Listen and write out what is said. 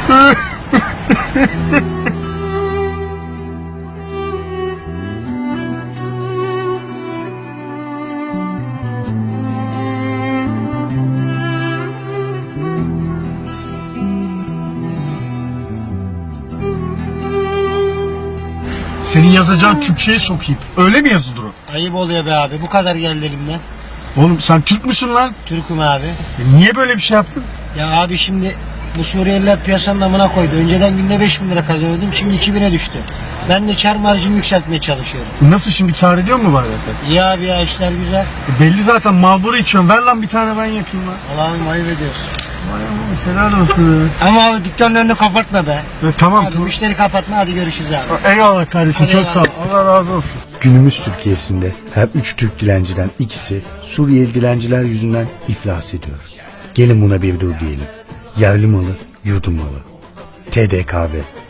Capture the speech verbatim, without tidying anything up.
Senin yazacağın Türkçe'ye sokayım. Öyle mi yazılır o? Ayıp oluyor be abi. Bu kadar geldi elimden. Oğlum sen Türk müsün lan? Türk'üm abi. E niye böyle bir şey yaptın? Ya abi şimdi bu Suriyeliler piyasanın amına koydu. Önceden günde beş bin lira kazanıyordum. Şimdi iki bine düştü. Ben de kar marjımı yükseltmeye çalışıyorum. Nasıl şimdi, kâr ediyor mu bari? İyi abi ya, işler güzel. E belli zaten, Marlboro içiyorsun. Ver lan bir tane, ben yakayım lan. Allah'ım ayıp ediyorsun. Vay Allah, helal olsun ya. Ama abi dükkanın önünü kapatma be. E, tamam Hadi tamam. müşteri kapatma, hadi görüşürüz abi. Eyvallah kardeşim, Hadi çok eyvallah. sağ ol. Allah razı olsun. Günümüz Türkiye'sinde her üç Türk dilenciden ikisi Suriyeli dilenciler yüzünden iflas ediyor. Gelin buna bir dur diyelim. Yerli malı, yurdum malı. T D K V